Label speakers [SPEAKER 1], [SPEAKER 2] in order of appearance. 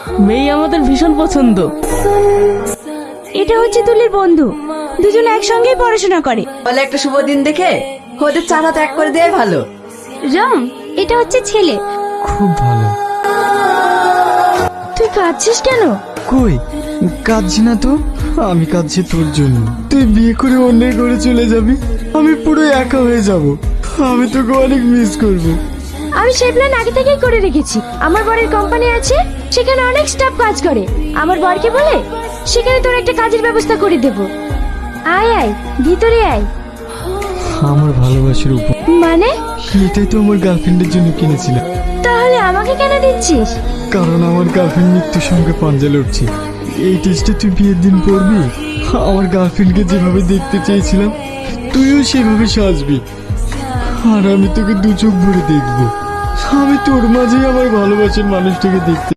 [SPEAKER 1] মেয়ে আমাদের ভীষণ পছন্দ।
[SPEAKER 2] এটা হচ্ছে তুলির বন্ধু, দুজনে একসঙ্গেই পড়াশোনা করে।
[SPEAKER 3] বলে একটা শুভ দিন দেখে ওদের চারা ত্যাগ করে দেয় ভালো।
[SPEAKER 2] রাম, এটা হচ্ছে ছেলে।
[SPEAKER 4] খুব ভালো।
[SPEAKER 2] তুই কাঁদছিস কেন?
[SPEAKER 4] কই কাঁদছি না তো, আমি কাঁদছি তোর জন্য। তুই বিয়ে করে অন্যের ঘরে চলে যাবি, আমি পুরো একা হয়ে যাব। আমি তোকে অনেক মিস করব।
[SPEAKER 2] আমি সেই প্ল্যান আগে থেকেই করে রেখেছি। আমার বরের কোম্পানি আছে, সেখানে অনেক স্টাফ কাজ করে। আমার বরকে বলে সেখানে তোর একটা কাজের ব্যবস্থা করে দেব। আয় আয়, ভিতরে আয়।
[SPEAKER 4] আমার ভালোবাসার উপর
[SPEAKER 2] মানে?
[SPEAKER 4] এটাই তো আমার গার্লফ্রেন্ডের জন্য কিনেছিলাম।
[SPEAKER 2] তাহলে আমাকে কেন দিচ্ছিস?
[SPEAKER 4] কারণ আমার গার্লফ্রেন্ড মৃত্যুর সঙ্গে পাঞ্জা লড়ছে। এই টেস্টে তুই বিয়ের দিন পড়বি। আমার গার্লফ্রেন্ডকে যেভাবে দেখতে চেয়েছিলাম তুইও সেভাবে সাজবি, আর আমি তোকে দু চোখ ভরে দেখবো। আমি তোর মাঝেই আমার ভালোবাসার মানুষটাকে দেখতে